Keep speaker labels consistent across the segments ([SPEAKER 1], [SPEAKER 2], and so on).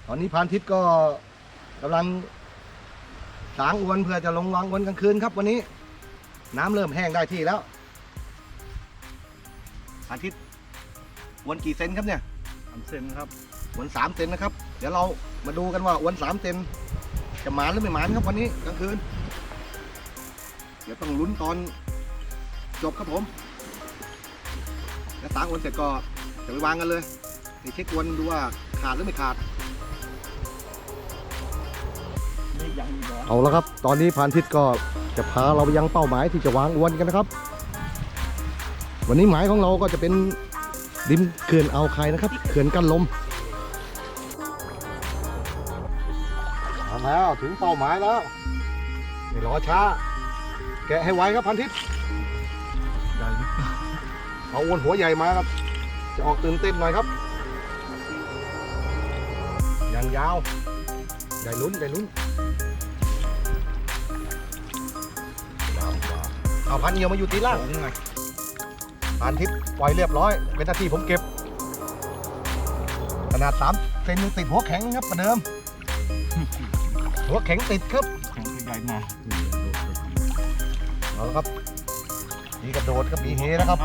[SPEAKER 1] ตอนนี้พานทิศก็กำลังสางอวนเพื่อจะลงวางอวนกลางคืนครับวันนี้น้ำเริ่มแห้งได้ที่แล้วพานทิศอวนกี่เซนครับเนี่ย
[SPEAKER 2] 3 เซนครับ
[SPEAKER 1] อวน3 เซนนะครับเดี๋ยวเรามาดูกันว่าอวน3 เซนจะหมานหรือไม่หมานครับวันนี้กลางคืนเดี๋ยวต้องลุ้นตอนจบครับผมแล้วสางอวนเสร็จก็จะไปวางกันเลยไปเช็คอวนดูว่าขาดหรือไม่ขาดเอาแล้วครับตอนนี้พานทิศก็จะพาเราไปยังเป้าหมายที่จะวางอวนกันนะครับวันนี้หมายของเราก็จะเป็นริมเขื่อนอ่าวไข่นะครับเขื่อนกั้นลมมาแล้วถึงเป้าหมายแล้วไม่รอช้าแกะให้ไวครับพานทิศเอาอวนหัวใหญ่มาครับจะออกตื่นเต้นหน่อยครับยังยาวได้ลุ้นเอาพันเอียวมาอยู่ตีล่างพันทิพย์ปล่อยเรียบร้อยเป็นหน้าที่ผมเก็บขนาด3 เซนยังติดหัวแข็งครับประเดิมหัวแข็งติดครับ
[SPEAKER 2] แข็งใหญ่มา
[SPEAKER 1] เอาละครับมีกระโดดครับมีเฮนะครับ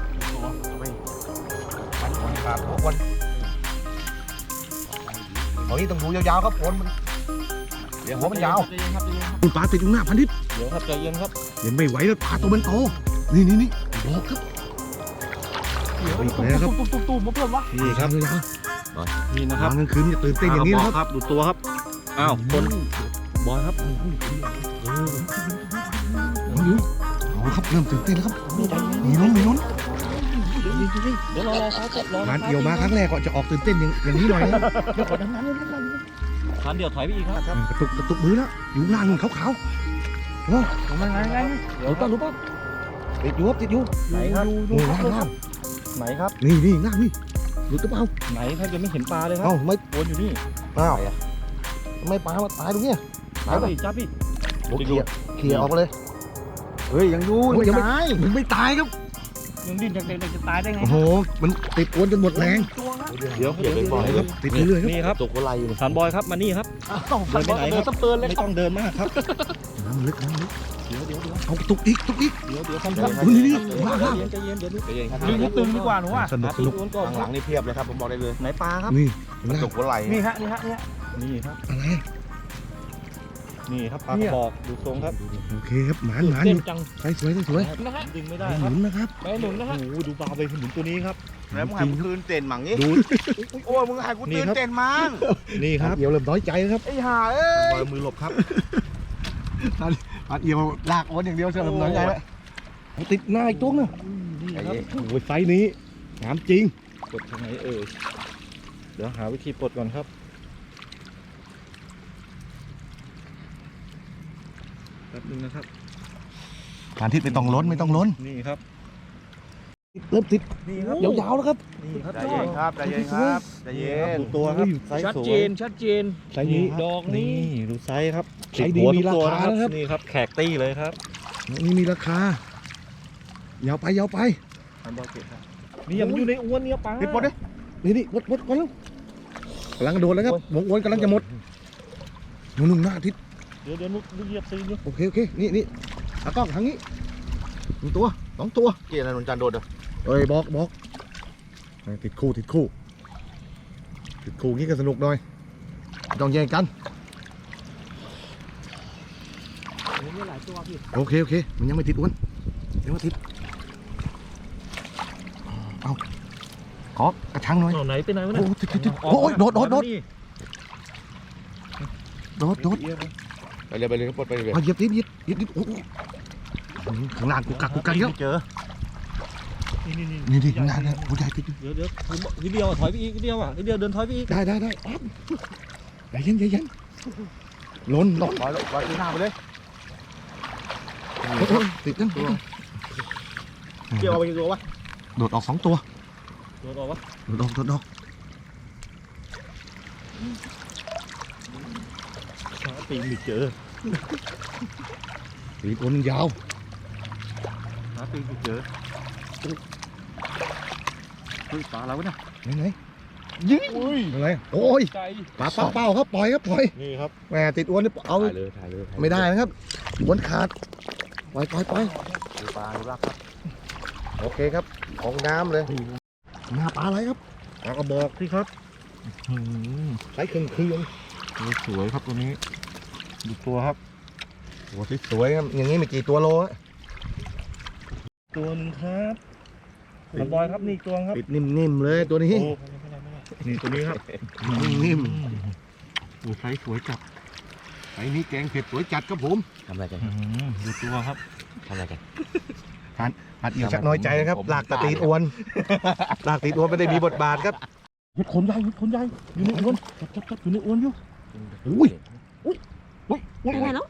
[SPEAKER 1] มันคนขาดหัวคนตอนนี้ต้องดูยาวๆครับฝนมันเดี๋ยวหัวมันยาวคุณปลาติดอยู่หน้าพันทิพย์
[SPEAKER 2] เดี๋ยวครับใจเย็นครับ
[SPEAKER 1] เห็นไม่ไหวแล้วปลาตัวมันโตนี่บอกครับนี่ครับ
[SPEAKER 2] ตู้มาเพื่อนวะ
[SPEAKER 1] นี่ครับ
[SPEAKER 2] นี่นะครับ
[SPEAKER 1] กลางคืนจะตื่นเต้นอย่างนี้
[SPEAKER 2] ครับดูตัวครับอ้าวคนบอยครับ
[SPEAKER 1] เอาครับเริ่มตื่นเต้นแล้วครับมีลุ้น
[SPEAKER 2] เดี๋ยวรอ
[SPEAKER 1] มันเดี่ยวมาครั้งแรกก็จะออกตื่นเต้นอย่างนี้หน่อยนะ
[SPEAKER 2] เดี๋ยวขอทำงานนิดนึงคันเดี๋ยวถอยไปอีกครับ
[SPEAKER 1] กระตุกมือแล้วอยู่ล่างขาวๆโอ้
[SPEAKER 2] ทำไงเดี๋ยวต้องรู้ป่ะ
[SPEAKER 1] ติดอยู่
[SPEAKER 2] ไหนครับ
[SPEAKER 1] ล่าง
[SPEAKER 2] ไหนครับ
[SPEAKER 1] นี่ล่างนี่หลุดหรือเปล่า
[SPEAKER 2] ไหนแทบจะไม่เห็นปลาเลยครับ
[SPEAKER 1] ไม่
[SPEAKER 2] วนอยู่นี่
[SPEAKER 1] ไม่ปลามาตายตรงนี้
[SPEAKER 2] จับพี่
[SPEAKER 1] เขี่ยออกเลย
[SPEAKER 2] เฮ้ยยังอยู่
[SPEAKER 1] ยังไม่ตายครับ
[SPEAKER 2] ยังดิ้นจากเด็กจะตายได้ไง
[SPEAKER 1] โอ้โหมันติดอวนจนหมดแรง
[SPEAKER 2] เดี๋ยวอย่าไปบอยครับ
[SPEAKER 1] ติดเรื่อยๆ
[SPEAKER 2] นี่ครับ
[SPEAKER 1] ตกอะไรอยู่
[SPEAKER 2] สันบอยครับมานี่ครับ
[SPEAKER 1] เดินไปไหนครับ
[SPEAKER 2] ไม่ต้องเดินมากครับ
[SPEAKER 1] น้ำลึกเดี๋ยวเอาตุกอีก
[SPEAKER 2] เดี๋ยวทำครับ
[SPEAKER 1] นี่
[SPEAKER 2] ใจเย็นนี่ตึงดีกว่าหนูว่า
[SPEAKER 1] สนุก
[SPEAKER 3] ข้างหลังนี่เพียบเลยครับผมบอกได้เลย
[SPEAKER 2] ไหนปลาครับ
[SPEAKER 1] นี่
[SPEAKER 3] ตกหัวไหล่
[SPEAKER 2] นี่ฮะนี่ครับ
[SPEAKER 1] อะไร
[SPEAKER 2] นี่ครับปลากระบอกดูทรงครับ
[SPEAKER 1] โอเคครับหมานใส่สวย
[SPEAKER 2] นะฮะดึงไม่ได้
[SPEAKER 1] หนุนนะครับ
[SPEAKER 2] ไม่หนุนนะฮะโอ้ดูปลาไปหนุนตัวนี้ครับ
[SPEAKER 3] แล้วมึงหายกูตื่นเต้นมั้งนี่โอ้มึงหายกูตื่นเต้นมั้ง
[SPEAKER 1] นี่ครับเดี๋ยวเริ่มน้อยใจครับ
[SPEAKER 3] ไอ้ห่าเอ้ย
[SPEAKER 1] มือหลบครับเอียวลากอ้วนอย่างเดียวเริ่มน้อยใจแล้วติดหน้าอีกตัวนึงโอ้ยไฟนี้งามจริง
[SPEAKER 2] ปลดทางไหนเดี๋ยวหาวิธีปลดก่อนครับแป๊บนึงนะครับ
[SPEAKER 1] การทิศไม่ต้องล้น
[SPEAKER 2] นี่ครับ
[SPEAKER 1] เริ่มติดยาวๆแล้วครับ
[SPEAKER 2] นี่ครับ
[SPEAKER 3] ใจเย็นครับใจเย็น
[SPEAKER 2] ตัวครับชัดเจน
[SPEAKER 1] ไซส์นี้
[SPEAKER 2] ดอกนี้ดูไซส์ครับ
[SPEAKER 1] ไซส์ดีมีราคานะครับ
[SPEAKER 2] นี่ครับแขกตี้เลยครับ
[SPEAKER 1] นี่มีราคายาวไป
[SPEAKER 2] นี่ยังอยู่ในอ้วนเนี่ยปลา
[SPEAKER 1] ติดหมดเลยนี่หมดก่อนแล้วกำลังโดดแล้วครับวงอ้วนกำลังจะหมดนุ่มหน้าทิศ
[SPEAKER 2] เดี๋ยวนุ๊กเหยียบซีน
[SPEAKER 1] โอเคนี่ตากล้องทางนี้1 ตัว2 ตัว
[SPEAKER 3] เกี่ยอะไรนนจันโดด
[SPEAKER 1] บอกติดคู่งี้ก็สนุกหน่อยต้องแย่งกันโอเคมันยังไม่ติดอ้วนยังไม่ติดเอาขอกระชังหน่อย
[SPEAKER 2] ไหนไปไหนวะ
[SPEAKER 1] เนี่ยโอ้ยโดด
[SPEAKER 3] ไปเลยปลดไปเลย
[SPEAKER 1] เหยียบโอ้ข้างล่างกูกักเยอะ
[SPEAKER 2] เจอ
[SPEAKER 1] นี่ข้างล่างนะผู้ใหญ่ติด
[SPEAKER 2] เดี๋ยวนิดเดียวถอยไปอีกนิดเดียวเดินถอยไปอีก
[SPEAKER 1] ได้ใจเย็นล้น
[SPEAKER 3] ลอยที่หน้าไปเลย
[SPEAKER 1] ติดนั่น
[SPEAKER 2] เกี่ยวเอาไปกี่ตัววะ
[SPEAKER 1] โดดออก2 ตัว
[SPEAKER 2] โดดออกวะ
[SPEAKER 1] โดด
[SPEAKER 2] ตีไม่เจอ
[SPEAKER 1] ตีคนยาว
[SPEAKER 2] ตีไม่เจอเฮ้ยปลาแล้วนะ
[SPEAKER 1] ไหนยิงอะไรโอ้ย
[SPEAKER 2] ใจ
[SPEAKER 1] ปลาเป้าครับปล่อยครับปล่อย
[SPEAKER 2] นี่ครับ
[SPEAKER 1] แหมติดอวนนี่เอา
[SPEAKER 2] ถ่ายเลยถ่ายเลย
[SPEAKER 1] ไม่ได้นะครับอวนขาดปล่อย
[SPEAKER 3] ดูปลาดูรักครับ
[SPEAKER 1] โอเคครับของน้ำเลยหน้าปลาอะไรครับ
[SPEAKER 2] ปลากระบอกที่ครับ
[SPEAKER 1] ใช้เครื่อง
[SPEAKER 2] สวยครับตัวนี้ดูตัวครับ
[SPEAKER 1] ตัวสวยๆครับอย่างนี้มีกี่ตัวโลฮะ
[SPEAKER 2] ตัวหนึ่งครับกระบอยครับนี่ตัวครับ
[SPEAKER 1] ปิดนิ่มๆเลยตัวนี้
[SPEAKER 2] นี่ตัวนี้ครับ
[SPEAKER 1] นิ่ม
[SPEAKER 2] โอ้ไซส์สวยจัด
[SPEAKER 1] ๆไอ้นี่แกงเผ็ดสวยจัดครับผม
[SPEAKER 3] ทำอะไรกัน
[SPEAKER 2] ดูตัวครับ
[SPEAKER 3] ทำอะไรกัน
[SPEAKER 1] หัดเอี่ยวชักน้อยใจนะครับลากตะตีดอวนลากตีดอวนไม่ได้มีบทบาทครับ
[SPEAKER 2] เห็ดขนใหญ่อยู่ในอวนจับอยู่ในอวนอยู่
[SPEAKER 1] อุ้ย
[SPEAKER 4] ไปไหนแล้ว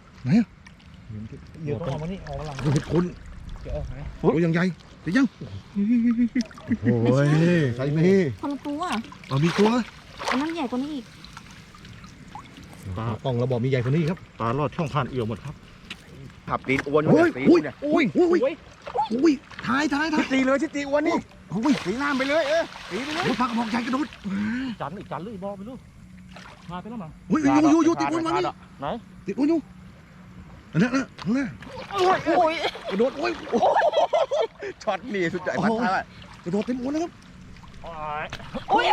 [SPEAKER 2] เดี๋ยวต้องเอามานี่ออกมาหลัง
[SPEAKER 1] เห็ดคน
[SPEAKER 2] จะออกไหน
[SPEAKER 1] ตัวยังใหญ่จะยังโอ้ยใส่มี
[SPEAKER 4] คนละตัว
[SPEAKER 1] เอามีตัว
[SPEAKER 4] อันนั้นใหญ่กว่านี้อีก
[SPEAKER 2] ปลา
[SPEAKER 1] ป่องเราบอกมีใหญ่กว่านี้ครับ
[SPEAKER 2] ปลาลอดช่องผ่านเอี่ยวหมดครับ
[SPEAKER 3] ขับตีนอ้วน
[SPEAKER 1] โอ้ย
[SPEAKER 3] ตี
[SPEAKER 1] โอ้ย
[SPEAKER 3] เนี่ย
[SPEAKER 1] โอ้ยโอ้ยโอ้ยถ่าย
[SPEAKER 3] ตีเลยชิตีอ้วนนี่
[SPEAKER 1] โอ้ย
[SPEAKER 3] ตีน้ำไปเลยตีไปเลย
[SPEAKER 1] โอ้ยปลากระบอกใหญ่กระโดด
[SPEAKER 2] จันเลยบอกไปลูกมาไปแล้วมั้ง
[SPEAKER 1] โอ้ยอยู่ติดอวนมานี่
[SPEAKER 2] ไหน
[SPEAKER 1] ติดอวนอยู่อันนั้นนะข้างหน้า
[SPEAKER 4] โอ้ย
[SPEAKER 1] กระโดดโอ้ย
[SPEAKER 3] ช็อตนี่สุดยอดพัดท่าก
[SPEAKER 1] ระโดดเต็มอวนนะครับ
[SPEAKER 4] โอ้ย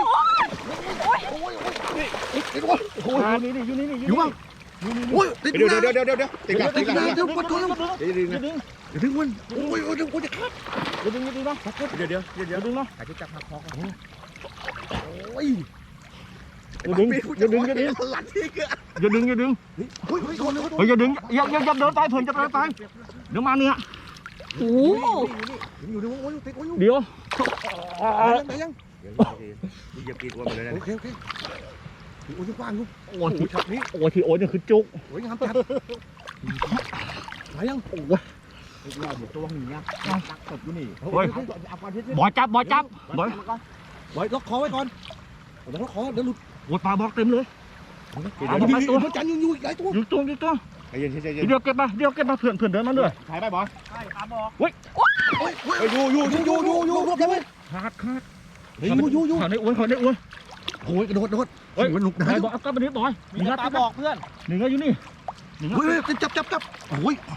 [SPEAKER 1] ติดอวนโอ้ย
[SPEAKER 2] นี่อยู่นี่
[SPEAKER 1] อยู่บ้างโอ้ยติด
[SPEAKER 3] เดี๋ยว
[SPEAKER 1] นะ
[SPEAKER 3] เดี๋ยวตีกลับ
[SPEAKER 1] ติ
[SPEAKER 3] ตี
[SPEAKER 1] ด
[SPEAKER 3] กลับ
[SPEAKER 1] นะเดี๋ยวปวดท้อง
[SPEAKER 3] เดี๋ยวดึงนะ
[SPEAKER 2] ดึง
[SPEAKER 1] ถึงวันโอ้ยโอ้ยโอ้ยจะขาด
[SPEAKER 2] ดึงนะ
[SPEAKER 3] เดี๋ยว
[SPEAKER 2] ดึงนะ
[SPEAKER 3] อาจจะจับหักคอกัน
[SPEAKER 1] โอ้ย
[SPEAKER 2] อย่าดึง
[SPEAKER 3] หลังที่เกลือ
[SPEAKER 2] อย่าดึง
[SPEAKER 1] โอ้ยโดนเลย
[SPEAKER 2] เฮ้ยอย่าดึงอย่าเดินตายเผื่อจะเดินตายเดี๋ยวมาเนี่ย
[SPEAKER 4] โอ้
[SPEAKER 1] อยู่ในวงโอ้ยติดโอ้ย
[SPEAKER 2] เดี๋ยว
[SPEAKER 1] ไหนยัง
[SPEAKER 3] อย่าปีนอ้วนไปเลยนะ
[SPEAKER 1] โอเคโอ้ยกว้างลูก
[SPEAKER 2] โอ้ยช็อตนี้โอ้ยที่โอ้ยนี่คือจุก
[SPEAKER 1] โอ้ยงามจัดไหนยังโอ้ย
[SPEAKER 3] เราเดี๋ยวตัวหนีนะตักตบอยู่นี่
[SPEAKER 2] เฮ้ยบอยจับบอย
[SPEAKER 1] ไว้ล็อกคอไว้ก่อนเดี๋ยวล็อกคอเดี๋ยวหลุด
[SPEAKER 2] โอ้ยปลาบอกเต็มเลย
[SPEAKER 1] มันจันอยู่หลายตัว
[SPEAKER 2] อยู่ตัว
[SPEAKER 3] ใจเย็นใจเย็น
[SPEAKER 2] เดี๋ยวเก็บมาเพื่อนเดินมาด้วย
[SPEAKER 3] ถ่ายไปบอส
[SPEAKER 1] อยู่รวบได้ไหม
[SPEAKER 2] ขาด
[SPEAKER 1] อยู่
[SPEAKER 2] เขาในอ้วน
[SPEAKER 1] โอ้ยกระโดดโอ้ยหนุกได้
[SPEAKER 2] บอยเอากลับมาดิบอย
[SPEAKER 3] มีปลาบอกเพื่อน
[SPEAKER 2] หนึ่งอยู่นี่
[SPEAKER 1] เฮ้ยจับโอ้ย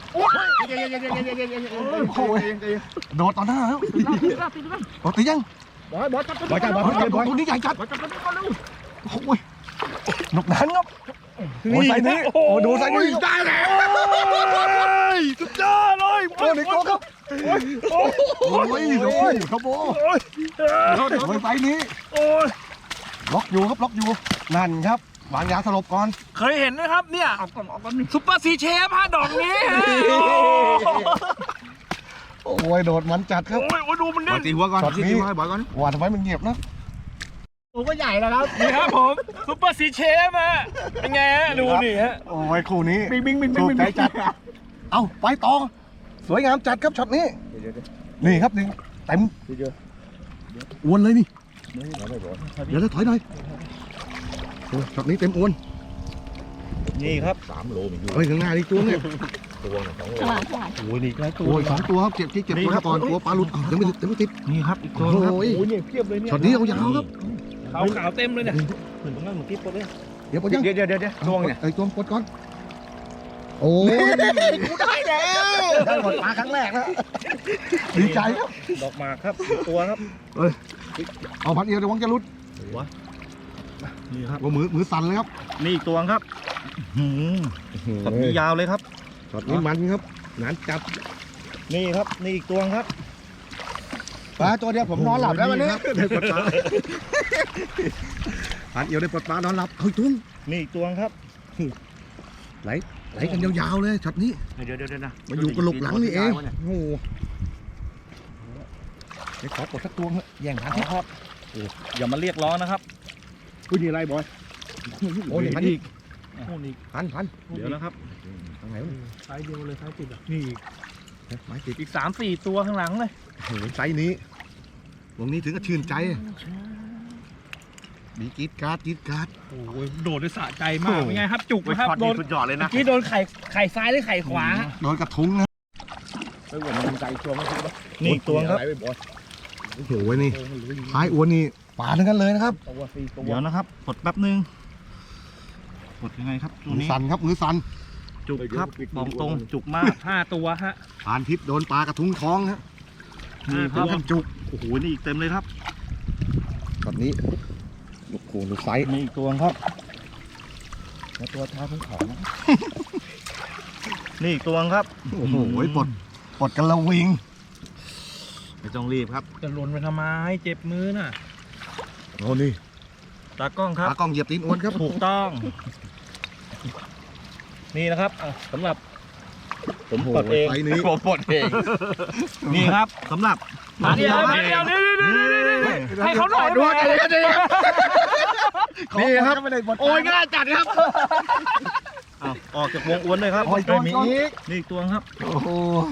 [SPEAKER 1] โดดต่อหน้าแล้วโดดตียัง
[SPEAKER 2] บอยจับ
[SPEAKER 1] บอยตัวนี้ใหญ่จัด
[SPEAKER 2] บอยจับตัวนี้ก่อนเร็ว
[SPEAKER 1] โอ้ยหนุกนั้นครับโอ้ยใส่นี้โอ้ดูใส่นี้ได้แล้วสุดยอดเลยโอ้ยครับโอ้ยครับโอ้ยใส่นี้
[SPEAKER 2] โอ้ย
[SPEAKER 1] ล็อกอยู่นั่นครับวางยาสลบก่อน
[SPEAKER 5] เคยเห็นไหมครับเนี่ย
[SPEAKER 2] เอาก่อนนี่
[SPEAKER 5] ซุปเปอร์ซีเชฟฮะดอกนี้ฮะ
[SPEAKER 1] โอ้ยโดดมันจัดครับ
[SPEAKER 5] โอ้ยดูมัน
[SPEAKER 3] บอ
[SPEAKER 5] เนี่
[SPEAKER 3] ส
[SPEAKER 5] ย
[SPEAKER 3] ตีหัวก่อนตีหัวให้บอสก่อน
[SPEAKER 1] ว่าทำไมมันเงียบนะ
[SPEAKER 5] ตัวก็ใหญ่แล้วครับนี่ครับผมซุปเปอร์ซีเชฟฮะเป็นไงฮะดูนี่ฮะ
[SPEAKER 1] โอ้ยคู่นี้
[SPEAKER 5] บิง
[SPEAKER 1] ถูกใจจัดเอาไปต่อสวยงามจัดครับช็อตนี้นี่ครับนี่เต็มอ้วนเลยนี่เดี๋ยวถอยหน่อยช็อตนี้เต็มอ้วน
[SPEAKER 2] นี่ครับ
[SPEAKER 3] 3 โลมีอยู่
[SPEAKER 1] เฮ้ยข้างหน้านี่ตัวเนี่ย
[SPEAKER 3] ตัวหนึ่ง2 โล
[SPEAKER 4] ฉลาด
[SPEAKER 2] โอ้ยนี่ใกล้ตัว
[SPEAKER 1] โอ้ย2 ตัวครับเก็บตัวก่อนตัวปลาหลุดยังไม่ติด
[SPEAKER 2] นี่ครับอีกตัว
[SPEAKER 1] โอ้ย
[SPEAKER 2] โอ้ยเนี่ยเพียบเลยเนี่ย
[SPEAKER 1] ช็อตนี้เอายาวครับ
[SPEAKER 5] ขาวเต็มเลยเนี่ย
[SPEAKER 2] เหมือนตรงนั้นเหมือนกิ๊บเลย
[SPEAKER 1] เดี๋ยวปลดยัง
[SPEAKER 3] เดี๋ยวช่วงเนี่ย
[SPEAKER 1] ไอ้ตัวปลดก่อนโอ้ยกูได้แล้วได้หมดปลาครั้งแรกแล้วดีใจครับ
[SPEAKER 2] ดอกหมากครับอีกตัวครับ
[SPEAKER 1] เอาพันเอียวเดี๋ยววังจะหลุด
[SPEAKER 2] นี่ครับ
[SPEAKER 1] ว่ามือสั่นเลยครับ
[SPEAKER 2] นี่อีกตัวครับช็อตนี้ยาวเลยครับ
[SPEAKER 1] ช็อตนี้มันครับงานจับ
[SPEAKER 2] นี่ครับนี่อีกตัวครับ
[SPEAKER 1] ปลาตัวเดียวผมนอนหลับแล้ววันนี้ได้ปลดปลาพันเอียวได้ปลดปลานอนหลับเฮ้ยตุ้ง
[SPEAKER 2] นี่อีกตัวครับ
[SPEAKER 1] ไหลกันยาวๆเลยช็อตนี้
[SPEAKER 3] เดี๋ยวนะ
[SPEAKER 1] มันอยู่กระโหลกหลังนี่เองโอ้โหเดี๋ยวขอปลดสักตัวเถอะแย่งพัน
[SPEAKER 2] ครับอย่ามาเรียกร้องนะครับ
[SPEAKER 1] อุ้ยนี่อะไรบอยโอ้ยพันอีก
[SPEAKER 2] โอ้นี่
[SPEAKER 1] พัน
[SPEAKER 2] เดี๋ยวนะครับ
[SPEAKER 1] ทางไหนวะ
[SPEAKER 5] ไซส์เดียวเลยไซส์ติดอ่ะ
[SPEAKER 2] นี่
[SPEAKER 1] ไม้ติด
[SPEAKER 5] อีก3-4 ตัวข้างหลังเลย
[SPEAKER 1] โอ้โหไซส์นี้วงนี้ถึงกับชื่นใจมีกรีดการ์ด
[SPEAKER 5] โอ้ยโดดด้วยสะใจมากเป็นไงครับจุก
[SPEAKER 3] ไป
[SPEAKER 5] นะครับ
[SPEAKER 3] ช็อต
[SPEAKER 5] โด
[SPEAKER 3] นี้
[SPEAKER 5] น
[SPEAKER 3] สุดยอดเลย
[SPEAKER 5] เมื่
[SPEAKER 3] นะ
[SPEAKER 5] อกี้โดนไข่ซ้ายหรือไข่ขวา
[SPEAKER 1] โดนกระทุ้งนะ
[SPEAKER 3] ไปเหมือนมันใจช่วงไม่ใช่ปะ
[SPEAKER 2] นี่อีกตัวครับ
[SPEAKER 3] อะไรไปบอส
[SPEAKER 1] โอ้โหนี่ท้ายอ้วนนี่ปลาทั้งนั้นเลยนะครับ
[SPEAKER 5] ตัว4ตัว
[SPEAKER 2] เดี๋ยวนะครับกดแป๊บนึงกดยังไงครับตัว
[SPEAKER 1] มือ
[SPEAKER 2] นี้
[SPEAKER 1] สั่นครับมือสั่น
[SPEAKER 2] จุกครับบอกตรงจุกมาก5ตัวฮะ
[SPEAKER 1] พรานทิพย์โดนปลากระทุ้งท้องฮะ
[SPEAKER 2] นี่ค
[SPEAKER 1] ถึ
[SPEAKER 2] รับ
[SPEAKER 1] งขั้นจุก
[SPEAKER 2] โอ้โหนี่อีกเต็มเลยครับ
[SPEAKER 1] ตอนนี้ลูกโขลูกไซส์
[SPEAKER 2] มีอีกตัวครับ
[SPEAKER 5] แล้วตัวท้าทั้งเขานะ
[SPEAKER 2] นี่อีกตัวครับ
[SPEAKER 1] โอ้โหปลดกันละวิง
[SPEAKER 2] ไม่ต้องรีบครับ
[SPEAKER 5] จะหล่นไปทำไมเจ็บมือน่ะ
[SPEAKER 1] โอ้นี่
[SPEAKER 2] ตากล้องครับ
[SPEAKER 1] ตากล้องเหยียบตีนอ้วนครับ
[SPEAKER 2] ถูกต้อง นี่นะครับสำหรับ ผม
[SPEAKER 1] โอ้โห
[SPEAKER 2] ปลดเอง
[SPEAKER 1] ไซส์นี้
[SPEAKER 2] ผมปลดเอง นี่ครับสำหรับ
[SPEAKER 5] มาเดี๋ยวให้เขาหน่อยด้วย
[SPEAKER 1] นี่ครับ
[SPEAKER 2] โอ้ยง่ายจัดครับออกจากวงอ้วนเลยครับ
[SPEAKER 1] โอ้ยมีอีก
[SPEAKER 2] นี่อีกตัวครับ
[SPEAKER 1] โอ้โห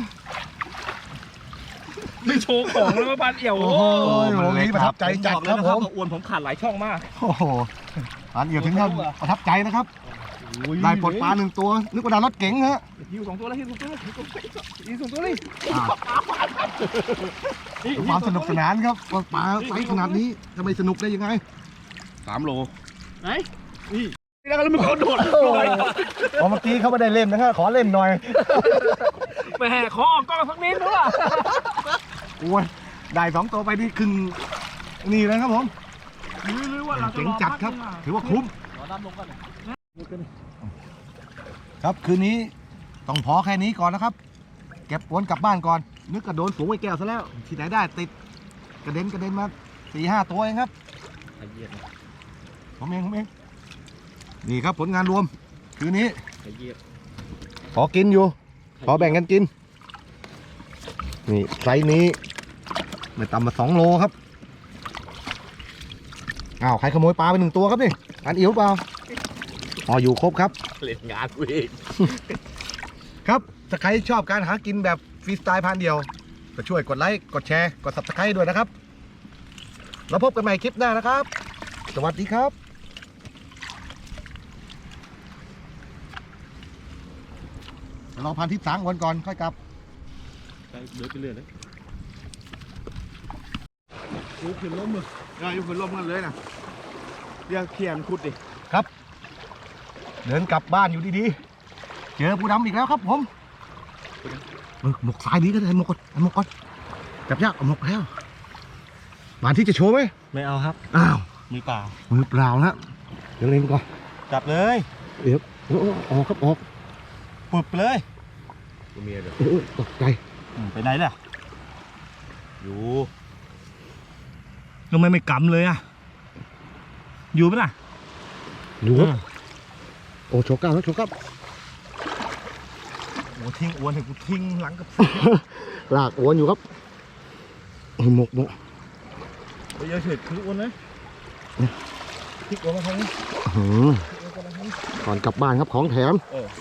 [SPEAKER 5] ไม่โชว์ของแล้วมาบันเอี่ยว
[SPEAKER 1] โอ้โหวันนี้ประทับใจจัดครับผม
[SPEAKER 2] อ้วนผมขาดหลายช่องมาก
[SPEAKER 1] โอ้โหอันเดียวถึงกับประทับใจนะครับ ได้ปลดปลาหนึ่งตัว นึกว่าดาวรถเก๋งฮะ
[SPEAKER 5] หิว2ตัวแล้วหิว2ตัวแล้วหิว2ตัวเลย
[SPEAKER 1] ความสนุกสนานครับปลาไซส์ขนาดนี้จะไม่สนุกได้ยังไง
[SPEAKER 2] 3 โล
[SPEAKER 5] ไหนนี่แล้วมันเขาโดด
[SPEAKER 1] พอเมื่อกี้เขาไม่ได้เล่นนะครับขอเล่นหน่อย
[SPEAKER 5] แหมขอออกกล้องสักนิดด้วย
[SPEAKER 1] โอ้ยได้2ตัวไปนี่ครึ่งนี่เลยครับผม
[SPEAKER 5] หรือว่าเราจะ
[SPEAKER 1] เจ๋งจัดครับ ถือว่าคุ้ม
[SPEAKER 5] ขอดำลงกัน
[SPEAKER 1] ครับคืนนี้ต้องพอแค่นี้ก่อนนะครับ เก็บวนกลับบ้านก่อน นึกกระโดนฝูงไอ้แก้วซะแล้ว ที่ไหนได้ติดกระเด็นมา4-5 ตัวเองครับผมเองนี่ครับผลงานรวม คืนนี้ขอกินอยู่ ขอแบ่งกันกิน นี่ไซส์นี้ไม่ต่ำมา2 โลครับอ้าวใครขโมยปลาไป1 ตัวครับนี่อันอิ๋วเปล่าอ๋ออยู่ครบครับ
[SPEAKER 2] เล่นงานกูเอง
[SPEAKER 1] ครับถ้าใครชอบการหากินแบบฟรีสไตล์พันเดียวก็ช่วยกดไลค์กดแชร์กด Subscribe ด้วยนะครับแล้วพบกันใหม่คลิปหน้านะครับ สวัสดีครับรอพันทิพย์สางวันก่อนค่อยกลับ
[SPEAKER 2] เดินไปเรื่อยเลย
[SPEAKER 3] ยูขึ้นล้มมือยูขึ้นล้มกันเลยนะเรียกเขียนขุดดิ
[SPEAKER 1] เดินกลับบ้านอยู่ดีๆเจอผู้ดำอีกแล้วครับผมหมกสายนี้ก็ได้หมกก่อนจับยากเอาหมกแล้วบานที่จะโชว์ไหม
[SPEAKER 2] ไม่เอาครับ
[SPEAKER 1] อ้าว
[SPEAKER 2] มือเปล่า
[SPEAKER 1] มือเปล่านะเดี๋ยวเล่นก่อน
[SPEAKER 2] จับเลย
[SPEAKER 1] เดี๋ยวออกครับออก
[SPEAKER 2] ปึบเลย
[SPEAKER 3] ตัวเมียเดี๋ยว
[SPEAKER 1] ตกใจ
[SPEAKER 2] ไปไหนล่ะอยู่ทำไมไม่กำเลยอ่ะอยู่ไหมล่ะ
[SPEAKER 1] อยู่ครับโอ้โชว์กล้ามแล้วโชว์กล้าม
[SPEAKER 2] โอ้ทิ้งอ้วนให้กูทิ้งหลังกับ
[SPEAKER 1] ลากอวนอยู่ครับหมก
[SPEAKER 2] ไปเยอะเฉยคืออ้วนเลยพลิกอ้วนมาทางนี้
[SPEAKER 1] ก่อนกลับบ้านครับของแถม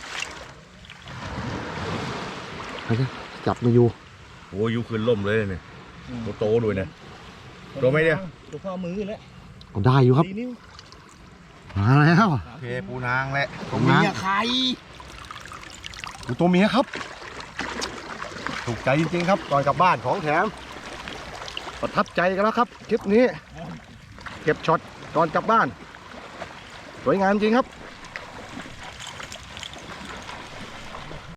[SPEAKER 1] จับมาอยู่
[SPEAKER 3] โอ้ยูขึ้นล้มเลยเนี่ยโตด้วยนะตัวไม่เนี่ย
[SPEAKER 2] ตัวข้อมือแล้ว
[SPEAKER 1] เอาได้อยู่ครับ
[SPEAKER 2] 4 นิ้ว
[SPEAKER 1] มาแล้ว
[SPEAKER 3] เพปูนางแหละ
[SPEAKER 1] ตัวเมีย
[SPEAKER 2] ใคร
[SPEAKER 1] ดูตัวเมียครับถูกใจจริงๆครับก่อนกลับบ้านของแถมประทับใจกันแล้วครับคลิปนี้เก็บช็อตก่อนกลับบ้านสวยงามจริงครับ